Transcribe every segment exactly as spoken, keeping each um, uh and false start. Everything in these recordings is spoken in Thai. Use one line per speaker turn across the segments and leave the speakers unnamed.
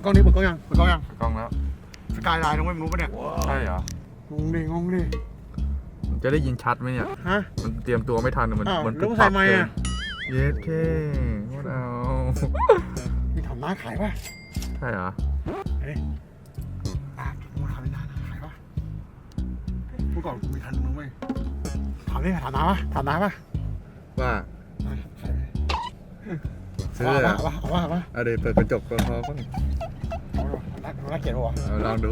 ล้องนี้เปิดกล้องยังเปิดกล้องยัง
กล้องแล้ว
สกายไลน์น้องไม่รู้ปะเนี่ย
ใช่เหรอง
งดิงงดิ
จะได้ยินชัดไหมเนี่ย
ฮะ
มันเตรียมตัวไม่ทันมัน
มัน
ปุ๊บ
ปั๊บเลย
เย็ดแค่งดเอา
พี่ถามน้าขายป่ะ
ใช่เหรอ
เฮ้ยน้ามาถามน้าขายป่ะเมื่อก่อนกูมีทันมึงไหมถามนี่ถามน้าป่ะถามน้าป่ะ
ว่า
ซื้อเลยป่ะป่ะป่ะป่ะ
เอาเดี๋ยวเปิดกระจกพอพอก่อน
น่าน่าเกลียดป่ะ
ลองดู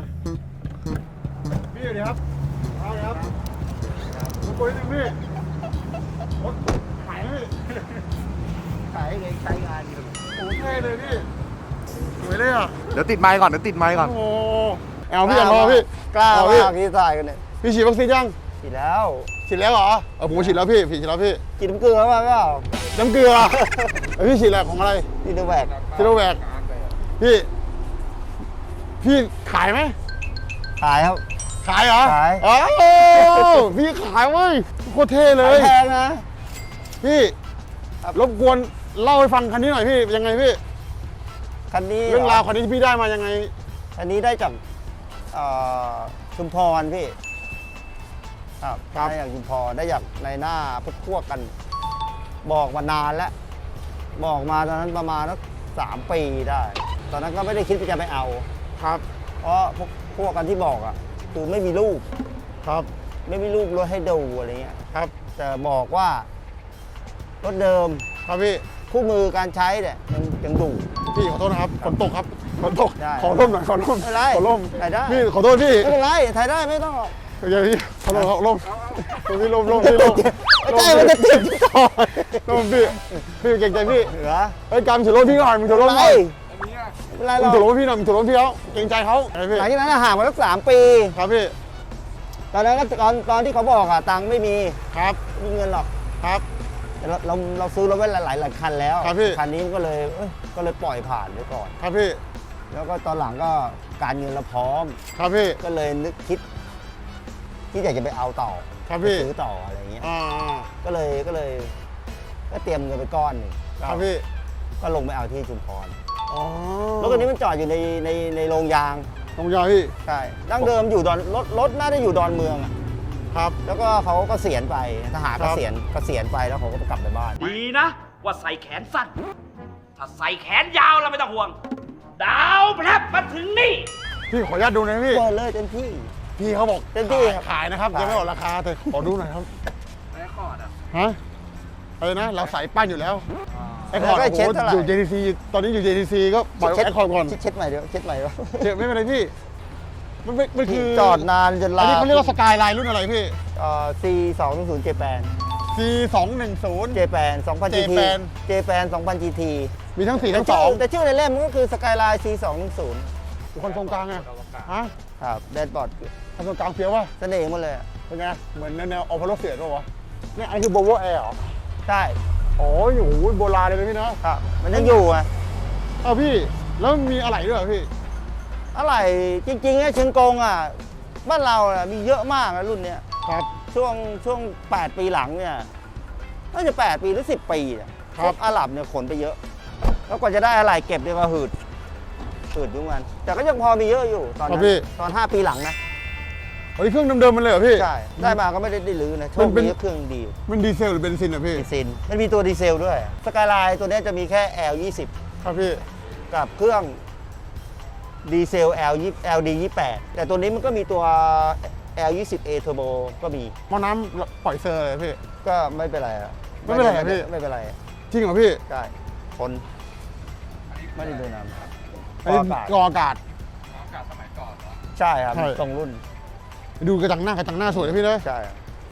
พี่เดี๋ยวครับเอาเลยครับมาคุยหนึ่งพี่ขายเลยขายเลยใช้งานอยู่โอ้เท่เลยพี่สวยเลยอ่ะ
เดี๋ยวติดไมค์ก่อนเดี๋ยวติดไมค์ก่อน
โอ้เอาพี่อย่ารอพี่
กล้ามากที่ถ่ายกันเนี่ย
พี่ฉีดวัคซีนยัง
ฉีดแล้ว
ฉีดแล้วเหรอเออผมฉีดแล้วพี่ฉีดแล้วพี่
ฉีดน้ำเกลือมาเปล่า
น้ำเกลือพี่ฉีดอะไรของอะไร
ซีโนแวค
ซีโนแวคพี่พี่ขายไหม
ขายครับ
ขายเหรอ
ขาย
อ๋อพี่ขายเว้ยโคตรเท่เลย
แพงนะ
พี่รบกวนเล่าให้ฟังคันนี้หน่อยพี่ยังไงพี่
คันนี้
เรื่องราวคันนี้ที่พี่ได้มายังไง
คันนี้ได้จากชุมพรพี่ครับได้จากชุมพรได้จากในหน้าพวกพวกกันบอกมานานแล้วบอกมาตอนนั้นประมาณสักสามปีได้ตอนนั้นก็ไม่ได้คิดว่าจะไปเอา
ครับ
เพราะพวกพวกกันที่บอกอ่ะคือไม่มีรูป
ครับ
ไม่มีรูปรถให้ดูอะไรเงี้ย
ครับ
แต่บอกว่ารถเดิม
ครับพี่
คู่มือการใช้เนี่ยยังยังดู
พี่ขอโทษนะครับฝนตกครับฝนตกขอร่มหน่อยขอร่ม
ไม่ไร
ขอร่ม
ถ่ายได้
พี่ขอโทษพี่
ไม่เป็นไรถ่ายได้ไม่ต้อง
เดี๋ยวพี่ขอร่มขอร่มพี่ร่มร่มพี่ร่ม
ไม่ใช่มันจะติดต่อ
ร่มพี่พี่เก่งใจพี่
เหรอ
เฮ้ยการถือร่มพี่หน่อยมึงถือร่มหน่อย
เป็นไรหรอก
มึงถือร่มพี่หน่อยมึงถือร่มพี่เขาเก่งใจเขา
หลังจากนั้นห่างมาสักสามปี
ครับพี่
ตอนนั้นก็ตอนตอนที่เขาบอกอะตังค์ไม่มี
ครับ
ไม่มีเงินหรอก
ครับ
เราเราเราซื้อรถไว้หลายหลายคันแล้ว
ครับพี่
คันนี้ก็เลยก็เลยปล่อยผ่านไปก่อน
ครับพี่
แล้วก็ตอนหลังก็การเงินเราพร้อม
ครับพี่
ก็เลยนึกคิดที่อยากจะไปเอาต่อ
ครับพี่
ซื้อต่ออะไรเงี้ย
อ่า
ก็เลยก็เลยก็เตรียมเงินไปก้อนหนึ่ง
ครับพี่
ก็ลงไปเอาที่ชุมพร
อ๋อ
รถคันนี้มันจอดอยู่ในในในโรงยาง
โรงยางพี่
ใช่ดั้งเดิมอยู่ดอนรถรถน่าจะอยู่ดอนเมืองอ่ะ
ครับ
แล้วก็เขาก็เสียณไปทหารก็เสียณก็เสียณไปแล้วเขาก็กลับไปบ้าน
ดีนะว่าใส่แขนสั้นถ้าใส่แขนยาวแล้วไม่ต้องห่วงดาวแพรบมาถึงนี่
พี่ขออนุญาตดูหน่อยพี่
เปิดเลยเต็มที่
พี่เขาบอก
เต็มที่
ขายนะครับยังไม่บอกราคาแต่ขอดูหน่อยครับ
ไอ้คอร์ดอ่ะ
ฮะอะไรนะเราใส่ป้ายอยู่แล้วไอ้คอร์ดอยู่ เจ ที ซี ตอนนี้อยู่ เจ ที ซี ก็ปล่อยไอ้คอร์ดก่อน
เช็ดใหม่เดี๋ยวเช็ดใหม่วะ
เช็ดไม่เป็นไรพี่มันมันคือ
จอดนานจนลา
อันนี้เขาเรียกว่าสกายไลน์รุ่นอะไรพี่
เอ่อ ซี สองหนึ่งศูนย์ เจแปน
ซี สองหนึ่งศูนย์
เจแปน สองพัน จี ที เจแปน สองพัน จี ที
มีทั้งสี่ทั้งสอง
แต่ชื่อในเล่มก็คือสกายไลน์ ซี สองหนึ่งศูนย์
คนตรงกลางไงฮะ
ครับแดนบอร์ด
คนตรงกลางเฟี้ยวว่ะ
เสน่ห์หมดเลย
เป็นไงเหมือนแนวออพอลโลเฟียดป่ะวะเนี่ยอันนี้คือโบโวแอร์เหรอ
ใช่
โอ้ยโอ้โหโบราณเลยพี่เนาะ
ครับมันยังอยู่อ่ะ
เอ้าพี่แล้วมีอะไรด้วยพี่
อะไรจริงๆเนี่ยเชียงกงอ่ะบ้านเราอ่ะมีเยอะมากนะรุ่นเนี้ย
ครับ
ช่วงช่วงแปดปีหลังเนี่ยน่าจะแปดปีหรือสิบปีอ่ะครับอาหรับเนี่ยขนไปเยอะแล้วกว่าจะได้อะไรเก็บเนี่ยก็หืดหืดทุกวันแต่ก็ยังพอมีเยอะอยู่ตอนนั้นตอนห้าปีหลังนะ
เฮ้ยเครื่องเดิมๆมันเลยเหรอพี่
ใช่ได้มาก็ไม่ได้ได้ลื้อนะโชคดีเครื่องดี
มันดีเซลหรือเบนซินอ่ะพี่
เบนซินมันมีตัวดีเซลด้วยสกายไลน์ตัวนี้จะมีแค่ แอล ยี่สิบ
ครับพี่
กับเครื่องดีเซล แอล แอล ดี ยี่สิบแปดแต่ตัวนี้มันก็มีตัว แอล ยี่สิบ เอ Turbo ก็มี
หม้อน้ำปล่อยเซอร์เลยพี่
ก็ไม่เป็นไร
ไม่เป็นไรพี่
ไม่เป็นไร
จริงเหรอพี่
ใช่คนไม่ได้โดนน้ำ
กอากาศกออากาศ
อากาศสมัยก่อนเหรอ
ใช่ครับตรงรุ่น
ดูกระจังหน้ากระจังหน้าสวยนะพี่เลย
ใช่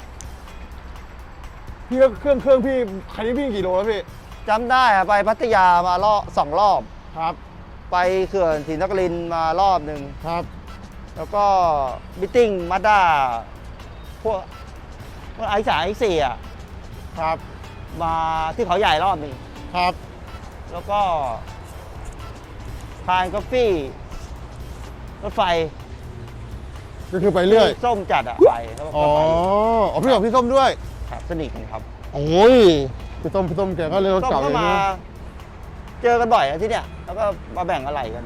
พี่เครื่องเครื่องพี่คันนี้พี่กี่โลแล้วพี่
จำได้ไปพัทยามารอบสองรอบ
ครับ
ไปเขื่อนศรีนครินทร์มารอบหนึ่ง
ครับ
แล้วก็มิทติ้งมาด้าพวกพวกไอซ์สายไอซ์สี่อ่ะ
ครับ
มาที่เขาใหญ่รอบหนึ่ง
ครับ
แล้วก็ทานกาแฟรถไฟ
ก็คือไปเรื่อย
ส้มจัดอ่ะไป
อ๋ออ๋อพี่บอกพี่ส้มด้วย
ครับสนิทกันครับ
โอ้ยพี่ส้มพี่ส้มแกก็เลยรถเก่าเลยนะ
เจอกันบ่อยที่เนี่ยแล้วก็มาแบ่งอะไรกัน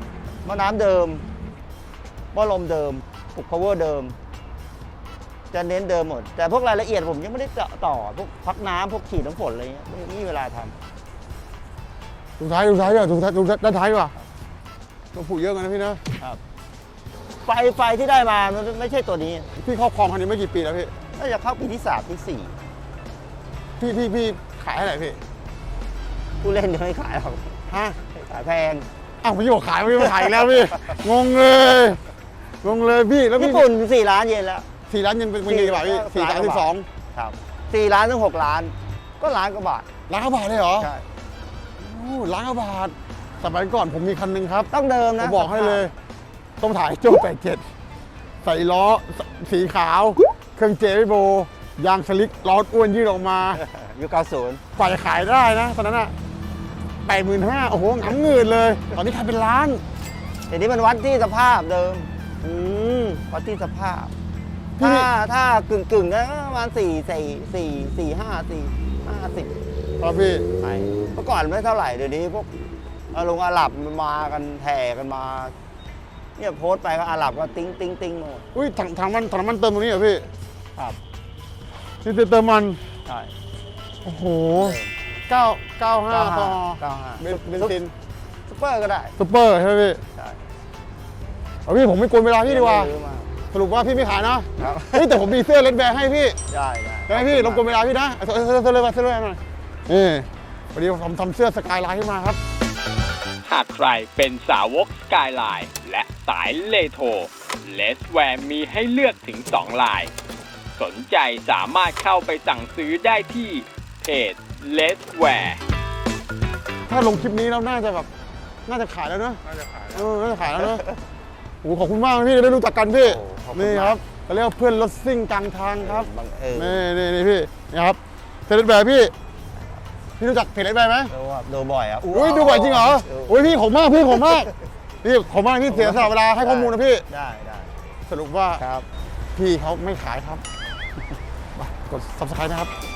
หม้อน้ำเดิมหม้อลมเดิมปลุก power เดิม จะเน้นเดิมหมด แต่พวกรายละเอียดผมยังไม่ได้เจาะต่อพวกพักน้ำพวกฉีดน้ำฝนอะไรเงี้ยไม่มีเวลาทำ
ดูท้ายดูท้ายด้วยดูท้ายดูด้านท้ายดีกว่าต้องผูกเยอะกันนะพี่นะ
ไฟไฟที่ได้มามันไม่ใช่ตัวนี้
พี่ครอบครองคันนี้ไม่กี่ปีแล้วพี่
น่าจะเข้าปีที่สามที่สี่
พี่พี่พี่ขายเท่าไหร่พี่
ผู้เล่นยังไม่ขายหรอก
ฮะ
ขายแพง
อ้าวพี่บอกขายไม่มาขายอีกแล้วพี่ งงเลยงงเลยพี่แล้วพี่
ญี่ปุ่นสี่ล้านเยนแล้ว
สี่ล้านยังเป็นเป็นกี่บาทพี่สี่สามสิบสอง
ครับสี่ล้านถึงหกล้าน ก็ล้านกว่าบาท
ล้านกว่าบาทเลยเหรอ
ใช่
โอ้ล้านกว่าบาทสมัยก่อนผมมีคันหนึงครับ
ต้องเดิม
ผ
นะ
มบอกให้เลย ต้องถ่ายโจ้แปดเจ็ดใส่ล้อสีขาว เครื่องเจวิโบยางสลิกล้ออ้วนยืดออกมา
ยุคเก้าสิบ
ปล่อยขายได้นะตอนนั้นอะแปดหมื่นห้าโอ้โหหงำเงินเลย ตอนนี้ขายเป็นล้าน
เดี๋ยวนี้มันวัดที่สภาพเดิม
อืม
วัดที่สภาพ
พี่
ถ้าถ้ากึ่งกึ่งๆก็ประมาณสี่สี่สี่สี่ห้าสี่ห้าสิบ
ครับพี่
ไปเมื่อก่อนไม่เท่าไหร่เดี๋ยวนี้พวกอาลงอาหรับมันมากันแถ่กันมา เนี่ยโพสต์ไปก็อาหรับก็ติ้งติ้งติ้งหมด
อุ้ยถังถังมันถังน้ำมันเติมตรงนี้เหรอพี่
ครับ
นี่เติมมัน
ใช่
โอ้โหเก้าเก้าห้าต่อ
เก้าห้า
เบนเบนซิน
ซุปเปอร์ก็ได้
ซุปเปอร์ใช่ไหมพี่
ใช่
เอาพี่ผมไม่กวนเวลาพี่ดีกว่า
ไม่ซื้อม
สรุปว่าพี่ไม่ขายเนาะ
ครับ
เฮ้ยแต่ผมมีเสื้อเลดแบร์ให้พี่
ได้ได้
ได้ไหมพี่รบกวนเวลาพี่นะเอาเสื้อเสื้อเสื้อเลยมาเสื้อเลยมาหน่อยนี่วันนี้ผมทำเสื้อสกายไลน์ขึ้นมาครับ
หากใครเป็นสาวกสกายไลน์และสายเลโทเลสแวร์มีให้เลือกถึงสองลาย สนใจสามารถเข้าไปสั่งซื้อได้ที่เพจเลสแวร์
ถ้าลงคลิปนี้แล้วน่าจะแบบน่าจะขายแล้วเนอะน่าจะขายเออน่าจะขายแล้วเนอะโอ้โหขอบคุณมากนะพี่ได้รู้จักกันพี่
โอ้ขอบณ
นี่
มาก
ครับเขาเรียกว่าเพื่อนรถซิ่งกลางทางครับ
บังเอิญ
นี่นี่นี่พี่นี่ครับเพจเลดแบร์พี่พี่รู้จักเพจเลดแบร์ไหม
ดูว่าดูบ่อยอ่ะ
อุ้ยดูบ่อยจริงเหรอ
ดู
อุ้ยพี่ขอบมากพี่ขอบมากพี่ขอบมากพี่เสียสละเวลาให้ข้อมูลนะพี่
ได้ได้
สรุปว่า
ครับ
พี่เขาไม่ขายครับ มากด ซับสไครบ์นะครับ